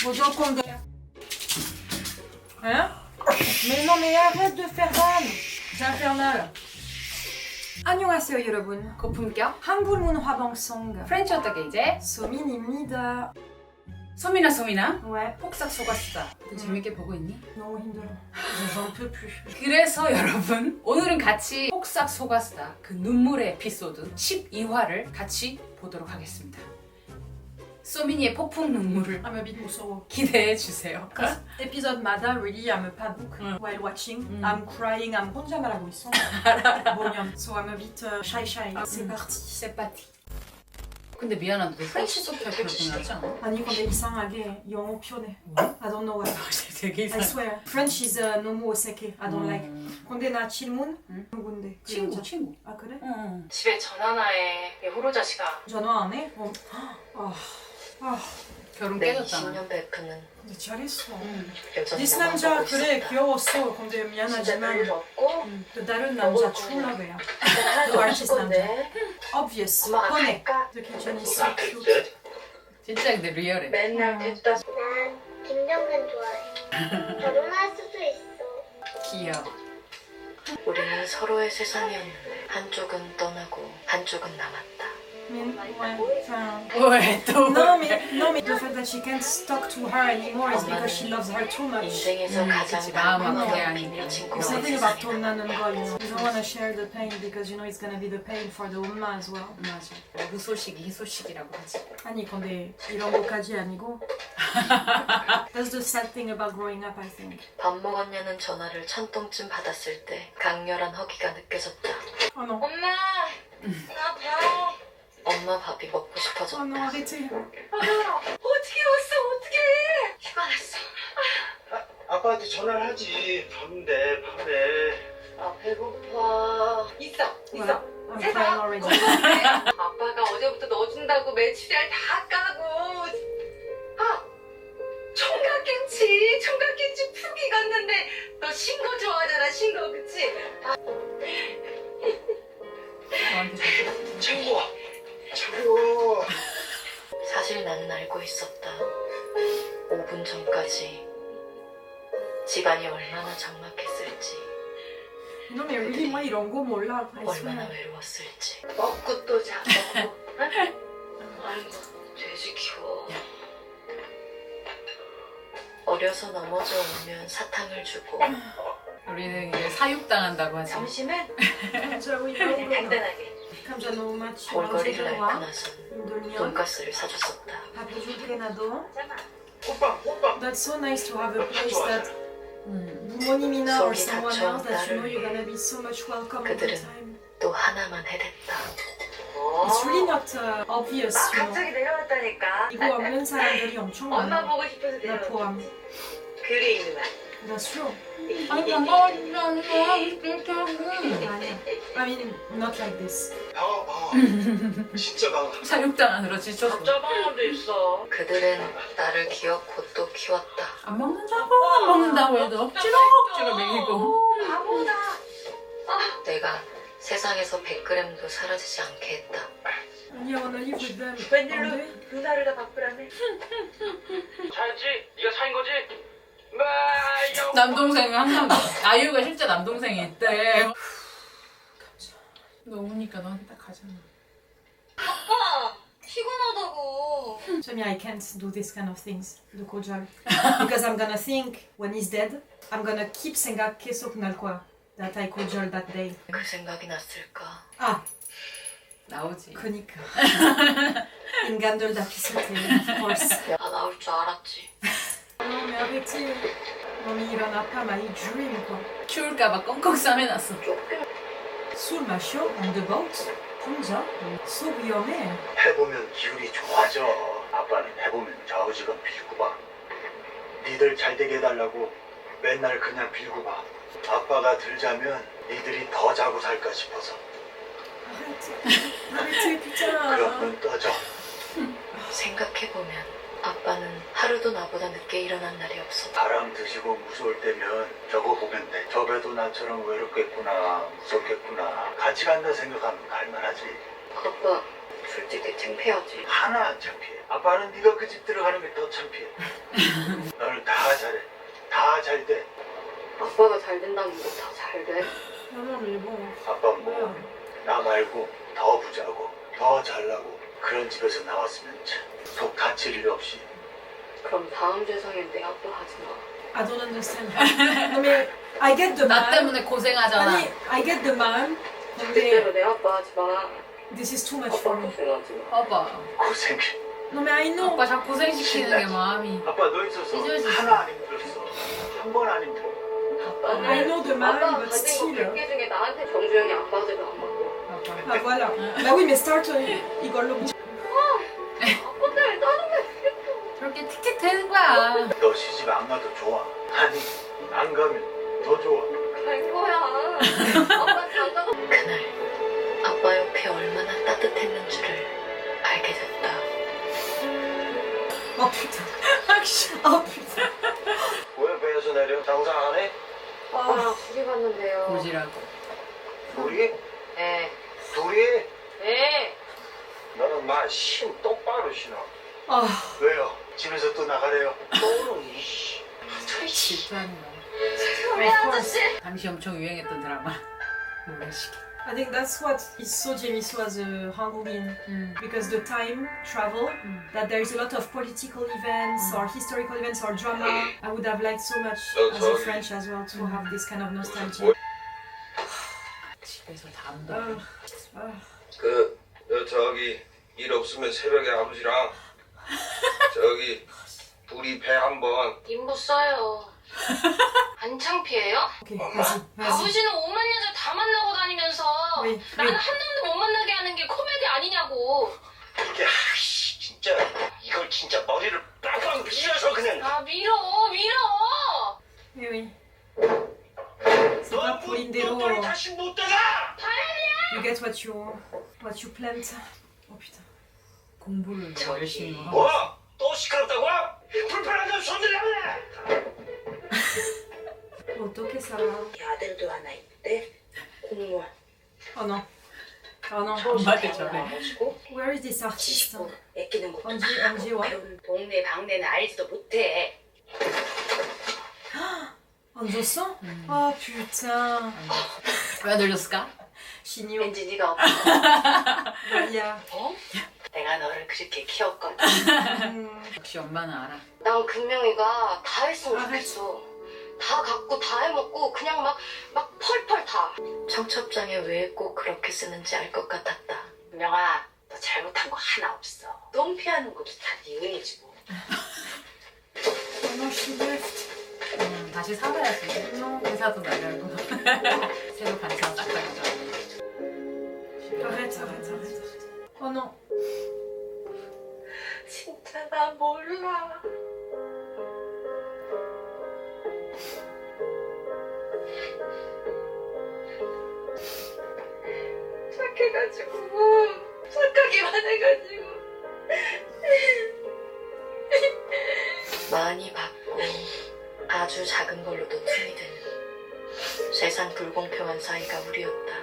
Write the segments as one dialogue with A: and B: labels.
A: 무조건 돼. Hein? Mais non mais arrête de faire vanne. C'est infernal. 안녕하세요 여러분.
B: 고품격
A: 한국 문화 방송
B: 프렌치 어떻게 이제?
A: 소민입니다.
B: 소민아
A: Ouais.
B: 폭삭 속았수다. 재밌게 보고 있니?
A: 너무 힘들어. J'en peux plus.
B: 그래서 여러분 오늘은 같이 폭삭 속았수다 그 눈물의 에피소드 12화를 같이 보도록 하겠습니다. 소민이의 폭풍 눈물을
A: I'm a bit 무서워.
B: 기대해 주세요.
A: 에피소드마다 really I'm a padbook while watching. I'm crying. I'm 혼자 말하고 있어. 뭐냐면 so I'm a bit shy. C'est parti.
B: 세파티. 근데 미안한데 프렌치 서브타이틀을 보내지 않아?
A: 아니 근데 이상하게 영어 표현해. I don't know why.
B: 되게
A: I
B: 이상해.
A: swear. French is 너무 어색해. I don't like. 근데 나 질문? 누군데? 그 여자.
B: 친구.
A: 아 그래?
B: 응.
C: 집에 전화나 해. 얘 호로 자식아.
A: 전화 안 해?
B: 결혼
C: 내
B: 깨졌잖아.
C: 20년 베프는
A: 근데 잘했어.
C: 여전히
A: 디스
C: 나만
A: 남자
C: 보고
A: 그래
C: 있었다.
A: 귀여웠어. 근데
C: 진짜
A: 미안하지만
C: 별일 없고
A: 그 다른 남자 출라그야.
C: 하나도
A: 그
C: 없을
A: 아티스트 남자.
C: 건데
A: Obvious.
C: 엄마가
A: 뻔해.
C: 갈까?
A: The kitchen is so cute.
B: 진짜 근데 리얼해.
C: 맨날 됐다.
D: 난 김정근 좋아해. 결혼할 수도 있어.
B: 귀여워.
C: 우리는 서로의 세상이었는데 한쪽은 떠나고 한쪽은 남았다.
B: 왜 또?
A: No, mais the fact that she can't talk to her anymore is because she loves her too much.
C: 인생에서 가장
B: 그치, 마음
C: 남은
B: 아프게
A: 건
B: 하니까.
C: 비밀
A: It's
C: 친구가
A: something about
C: 세상에
A: 돈 나는 거, you know. You don't want to share the pain because you know it's gonna be the pain for the 엄마 as well.
B: 맞아. 무소식이 희소식이라고 하지.
A: 아니 근데 이런 거까지 아니고. That's the sad thing about growing up, I think.
C: 밥 먹었냐는 전화를 1000통쯤 받았을 때 강렬한 허기가 느껴졌다.
A: Oh non.
C: 엄마! 나 봐! 엄마 밥이 먹고 싶어졌다.
A: Oh non, arrêtez.
C: 어떻게 왔어? 어떻게 해? 휴가 났어.
E: 아빠한테 전화를 하지. 밤에.
C: 아 배고파. 있어.
A: Voilà. I'm crying already.
C: 아빠가 어제부터 넣어준다고 메추리알 다 까고. 아 총각김치 푹 익었는데 너 신거 좋아하잖아 신거 그치?
B: 너한테
E: 창구야.
C: 사실 나는 알고 있었다. 5분 전까지 집안이 얼마나 적막했을지
A: Non mais really moi 이런 거 몰라. I
C: 얼마나
A: swear.
C: 외로웠을지 먹고 또 자고 아이고 돼지 키워. 어려서 넘어져 오면 사탕을 주고
B: 우리는 이제 사육당한다고 하지.
C: 점심은
A: 감자 oui.
C: 간단하게
A: 감자 너무 많지.
C: 볼거리를
A: 언제
C: 앓고
A: 들어와?
C: 나선
A: 힘들면
C: 돈가스를 사줬었다.
A: 밥 해줄게 나도.
E: 호빵.
A: That's so nice to have a place that
B: 음.
A: 부모님이나 or
C: 속이
A: someone
C: 닫혀
A: else that you know
C: 나를
A: you're gonna be so much welcome all the
C: 그들은
A: time.
C: 또 하나만 해냈다.
A: It's really not obvious,
C: 나
A: you know.
C: 갑자기 내려왔다니까.
A: 이거 없는 사람들이 엄청
C: 엄마
A: 많아.
C: 보고 싶어서
A: 나
C: 내려왔지.
A: 포함.
C: 글이 있는 말.
A: That's true.
B: 아니 반가워지지 않아. 싫다고.
A: 아니야. I mean, not like this.
E: 방아. 진짜 방아.
B: 사육당하느라 지쳐서.
C: 짜방도 있어. 그들은 나를 기어코 또 키웠다.
B: 안 먹는다고 해도 억지로 먹이고.
C: 바보다. 내가 세상에서 100g도 사라지지 않게 했다.
A: 아니야, wanna live with them.
C: 웬일로
A: 안 돼?
C: 누나를 다 바꾸라네.
E: 잘했지? 네가 사인 거지?
B: 남동생이 항상 아유가 실제 남동생이 있대. 너 우니까 너한테 딱 가잖아.
C: 아빠 피곤하다고.
A: So I can't do this kind of things. The 고절. Because I'm gonna think when he's dead, I'm gonna keep 생각 계속 날 거야. That I 고절 that day.
C: 그 생각이 났을까?
A: 아,
B: 나오지.
A: 그니까. 인간들 다 비슷해. Of course.
C: 나 나올 줄 알았지.
A: Non mais arrêtez. Non mais il en a pas mal. Il dream quoi.
B: 추울까봐 꽁꽁 싸매놨어.
A: 술 마셔? On the boat? 혼자? So 위험해.
E: 해보면 기운이 좋아져. 아빠는 해보면 좌우지간 빌고 봐. 니들 잘 되게 해달라고 맨날 그냥 빌고 봐. 아빠가 들자면 니들이 더 자고 살까 싶어서.
A: Arrêtez putain.
E: 그러면 떠져.
C: 생각해보면 아빠는 하루도 나보다 늦게 일어난 날이 없었다.
E: 바람 드시고 무서울 때면 저거 보면 돼. 저 배도 나처럼 외롭겠구나, 무섭겠구나. 같이 간다 생각하면 갈만하지.
C: 아빠 솔직히 창피하지.
E: 하나 안 창피해. 아빠는 네가 그 집 들어가는 게 더 창피해. 잘 돼.
C: 아빠가 잘 된다는 거 다 잘 돼.
A: Non, mais bon.
E: 아빠 뭐 나 말고 더 부자고 더 잘나고 그런 집에서 나왔으면 참 속 다칠 일 없이.
C: 그럼 다음 세상엔 내 아빠 하지 마.
A: I don't understand. Non, mais I get the
B: 나
A: man.
B: 때문에 고생하잖아.
A: 아니, I get the man. 근데
C: 그때로 내 아빠 하지 마.
A: this is too much
C: 아빠
A: for me.
C: 고생하지 마.
B: 봐봐.
E: 고생.
A: Non, mais I know.
B: 아빠 자꾸 고생시키는 게 마음이.
E: 아빠 너 있어서
B: 잊어야지.
E: 하나 안 힘들었어. 한 번 안 힘들어.
C: 아빠는
A: I know the man,
C: 아빠가
A: but
C: 가진 거
A: still.
C: 100개 중에 나한테 정주영이 아빠 대도 안 맞고.
A: Ah voilà. Bah oui, mais start 이걸로.
C: 아빠 때문에 다른 게
B: 저렇게 틱틱 되는 거야.
E: 너 시집 안 가도 좋아. 아니 안 가면 더 좋아.
C: 갈 거야. 아빠 장가가. 그날 아빠 옆에 얼마나 따뜻했는 줄을 알게 됐다.
A: Oh putain. Oh putain.
E: 왜 배에서 내려? 장사 안 해?
C: 아빠랑 둘이 갔는데요.
B: 보지라고.
E: 둘이?
C: 네.
E: 둘이?
C: 네.
E: 너는 마신 똑바로 신어.
A: Oh.
E: 왜요? 집에서 또 나가래요? 너는 이씨.
B: 질투하는 거야.
A: Of course.
B: 당시 엄청 유행했던 드라마. 모래시계.
A: I think that's what is so 재밌어 as a 한국인. Because the time travel, that there is a lot of political events or historical events or drama. I would have liked so much as a French as well to have this kind of nostalgia.
B: 집에서 담도.
F: 저기 일 없으면 새벽에 아버지랑 저기 둘이 배 한번.
G: 인부 써요. 안 창피해요?
A: Ok, vas-y, vas-y.
G: 아버지는 오만 여자 다 만나고 다니면서
A: Oui,
G: 나는
A: oui.
G: 한 놈도 못 만나게 하는 게 코미디 아니냐고.
F: 이게 진짜 이걸 진짜 머리를 빵빵 밀어서 그냥.
G: 아 밀어.
A: Oui, oui. C'est pas pour Lindero.
F: 너희 다시 못 따라.
A: You get what you plant. Oh putain.
B: 공부를 열심히 하고.
F: 뭐? 또 시끄럽다고? 불편하면 손들라네.
A: 어떻게 살아?
H: 아들도 하나 있대. 공무원.
A: Oh non. Oh non.
B: 엄마한테 전해.
H: 나가지고
A: Where is this artist?
H: 애끼는 것도
A: 언제 와?
H: 배우는 동네 방네는 알지도 못해.
A: 안 줬어? Oh putain.
B: 왜 늘렸을까?
A: 신이요.
H: 왠지 네가 없어.
A: 야.
H: 어? 내가 너를 그렇게 키웠거든.
B: 역시 엄마는 알아.
C: 난 금명이가 다 했으면 좋겠어. 다 갖고 다 해먹고 그냥 막 펄펄 다. 청첩장에 왜 꼭 그렇게 쓰는지 알 것 같았다.
H: 금명아, 너 잘못한 거 하나 없어. 똥 피하는 것도 다 네 은혜지 뭐.
A: Oh non, she left.
B: 다시 살아야지. 회사도 나가고. 새로 반찬 싹 가져가.
A: Arrête. Oh non.
H: 진짜 나 몰라. 착해가지고 착하기만 해가지고
C: 많이 받고 아주 작은 걸로도 틈이 되는 세상 불공평한 사이가 우리였다.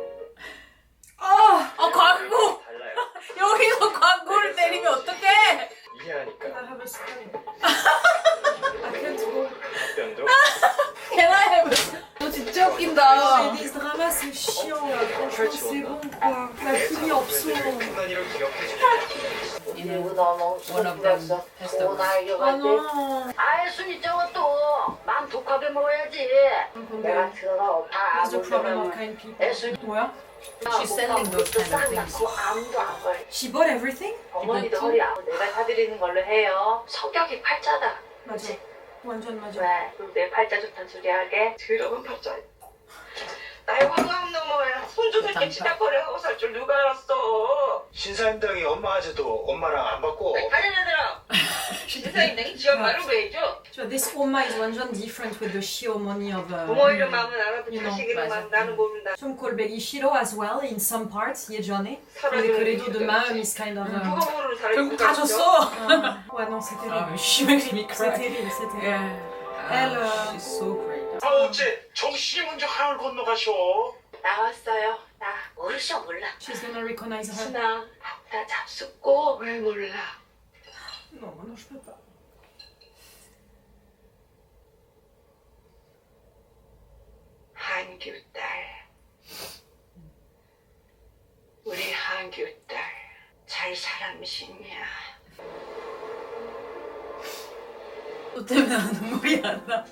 B: 아 광고!
F: 달라요.
B: 여기서 광고를 때리면 어떡해!
F: 이해하니까.
A: I have a story. I can't go.
F: 답변도.
B: 개나해. 너 진짜 웃긴다.
A: Mais des dramas, c'est chiant là. Franchement, c'est bon quoi. La pluie en dessous.
F: 난 이걸 기억해줘.
H: 이러고 너무
B: One of them
H: 속상했어.
B: has
H: 돈
A: Oh
H: 알려갈 때
A: non.
H: 아예 순이 저것도 맘 독하게 먹어야지. 내가 들어 다
A: What's the problem of
H: 아무데나
A: kind people?
H: 애순이
A: 뭐야?
B: She's selling those kind of things.
H: 아무도 안 걸.
A: She bought everything?
H: 어머니도 허리 아프 내가 사드리는 걸로 해요.
C: 성격이 팔자다.
A: 맞아. 완전 맞아.
H: 왜? 그럼 내 팔자 좋단 소리 하게? 더러운 팔자. 나의 화가 넘어야 손주들께 치닥거려하고 살 줄 누가 알았어.
E: 신사임당이 엄마 아재도 엄마랑 안 받고.
H: 빨리 얘들아. 신사임당이 지 엄마를 왜 해줘?
A: So this Oma is 완전 different with the Shio money of
H: 부모 이름만은 알아도
A: You know,
H: 자식 이름만
B: 맞아.
H: 나는 모른다.
A: 좀 꼴배기 싫어 as well in some parts 예전에. 근데
H: 사라지는
A: 그래도
H: 게
A: the mom is kind of.
H: 누가 모르는 사람이
B: 결국
H: 누가
B: 다
H: 있어?
B: 줬어.
A: Ouais non c'est terrible.
B: She makes me
A: C'est
B: cry.
A: terrible, c'est terrible.
B: Yeah.
A: Elle,
B: She's so great.
E: 아 어째 정신이 먼저 강을 건너가셔.
H: 나왔어요. 나 모르셔 몰라.
A: She's gonna recognize her.
H: 순아 나 잡숫고 왜 몰라?
A: Non, non je peux pas.
H: 한규 딸. 우리 한규 딸. 잘 사람이시냐?
B: 너 때문에 나 눈물이 안 나.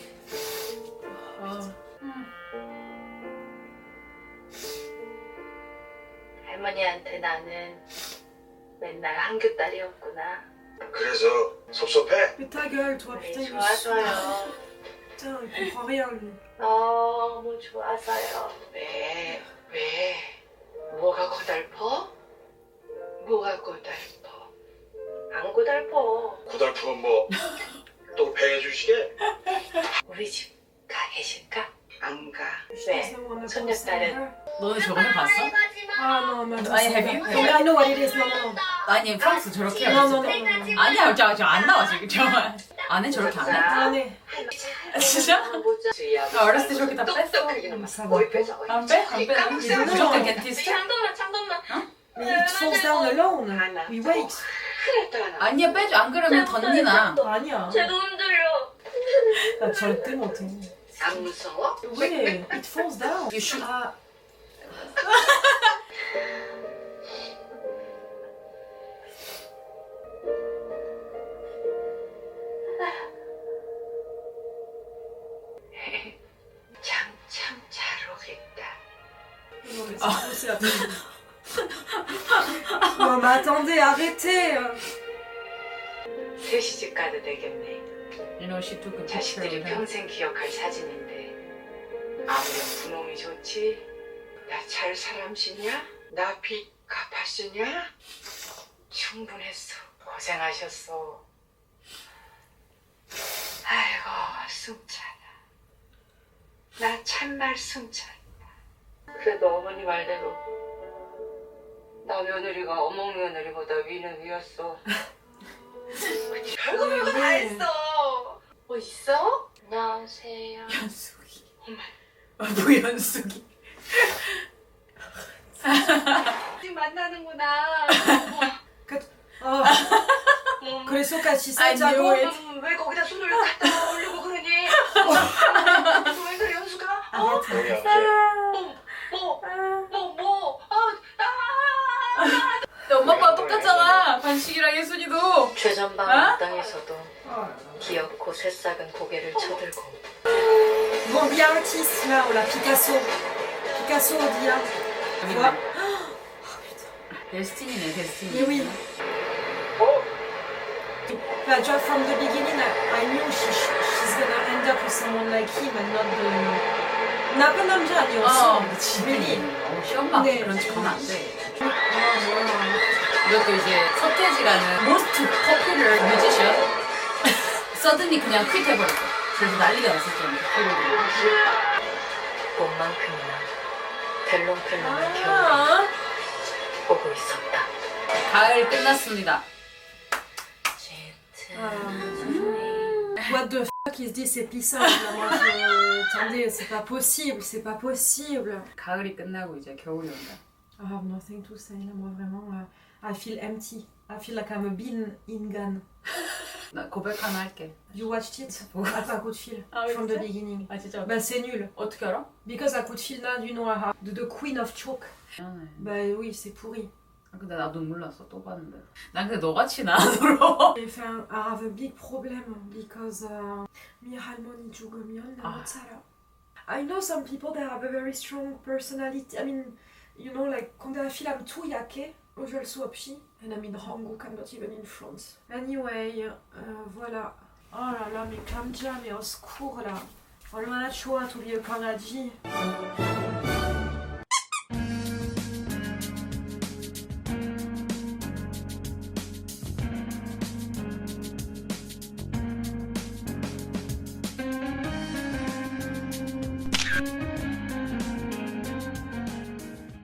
C: 할머니한테 나는 맨날 한규 딸이었구나.
F: 그래서 섭섭해?
A: Mais ta gueule, toi,
C: 네,
A: putain, il est
C: 좋아서요.
A: Putain, il comprend rien, lui.
C: 너무 좋아서요.
H: 왜? 뭐가 고달퍼? 뭐가 고달퍼? 안 고달퍼.
F: 고달프면 뭐 또 배해 주시게?
C: 우리 집 가 계실까?
H: 안 가.
A: Je
C: 네.
A: pense qu'on a
C: 손녀딸은
A: pensé à
B: 너는 저번에 봤어?
A: her. Ah non, mais
B: I have you?
A: I know what it is, non, non, non.
B: 아니 프랑스 저렇게
A: Non, non,
B: 해야지.
A: non, non, non.
B: 아니야 저안 나와 지금 정말. 안에 저렇게 안 해.
A: Ah, mais...
B: 진짜? 나 어렸을 때 저렇게 다 뺐어.
H: 뭘 뺏어?
B: 안 빼? 안 빼? 무조건 겐티스트?
G: 잠깐만.
A: Mais il te fonce down alone. We wait.
B: 아니야 빼줘. 안 그러면 던지나.
A: 아니야.
G: 제가 흔들려.
A: 나 절대 못해.
H: 안 무서워?
A: Oui, it fonce down.
B: You should.
A: 아,
H: 참 잘 오겠다.
A: non, mais c'est la Non, mais attendez, arrêtez.
H: 3시집 가도 되겠네.
B: You know she took a
H: 자식들이
B: picture.
H: 평생 기억할 사진인데 아무렴 분홍이 좋지? 나 잘 사람시냐? 나 빚 갚았으냐? 충분했어. 고생하셨어. 아이고 승찬아. 나 참말 승찬이야. 그래도 어머니 말대로 나 며느리가 어몽 며느리보다 위는 위였어. 별거 다 했어. 뭐 있어?
G: 안녕하세요.
B: 연숙이.
H: 엄마
B: 노연숙이.
H: 지금 만나는구나.
A: 어, 그래서 같이
B: I knew
A: 살자고.
B: it.
H: 왜 거기다 손을 갖다 올리고 그러니? 왜 그래 연수가?
A: Arrête.
B: 너 엄마 아빠가 똑같잖아. 관식이랑 예순이도.
C: 최전방
B: 어?
C: 땅에서도 귀엽고 새싹은 고개를 쳐들고
A: Bon, bien artiste, là, oh, la Picasso. Picasso, on dit, hein. Tu vois?
B: 데스티니네 데스티니.
A: Mais oui. Bah, tu vois, from the beginning, I knew she's gonna end up with someone like him and not the... 나쁜 남자 아니었어.
B: 그치.
A: really.
B: 시엄마
A: 네.
B: 그런 척 하면 안 돼.
A: 아, 뭐야.
B: 이것도 이제 서태지라는 most popular musician 서든이 그냥 퀴트 해버렸어. 그래서 난리가 났었잖아.
C: 봄만큼이나 델롱펠롱을 겨울
A: 아,
C: 보고 있었다.
B: 가을 끝났습니다.
A: What the fuck is this episode là? Moi, attendez, c'est pas possible, c'est pas possible.
B: 가을이 끝나고 이제 겨울이 온다.
A: I have nothing to say là, moi vraiment, I feel empty. I feel like I'm a bean in gun.
B: 나 고백 하나 할게.
A: You watched it?
B: 뭐?
A: Ah, pas coup de fil.
B: Ah oui,
A: From
B: c'est
A: the
B: ça?
A: beginning.
B: 아 진짜
A: Bah c'est nul.
B: 어떻게 알아?
A: Because à coup de fil là, du nom arabe. The Queen of Choke.
B: 미안해.
A: Bah oui, c'est pourri.
B: 아, 근데 나도 몰랐어. 또 봤는데. 난 근데 너같이 나더러.
A: Enfin, I have a big problem because 미 할머니 죽으면 나 못 살아. I know some people that have a very strong personality. I mean, you know, like quand un film tout yake, 어쩔 수 없이. And I'm in 한국, I'm not even in France. Anyway, voilà. Oh là là, mais 감자, mais au secours là. 얼마나 좋아, 우리 강아지.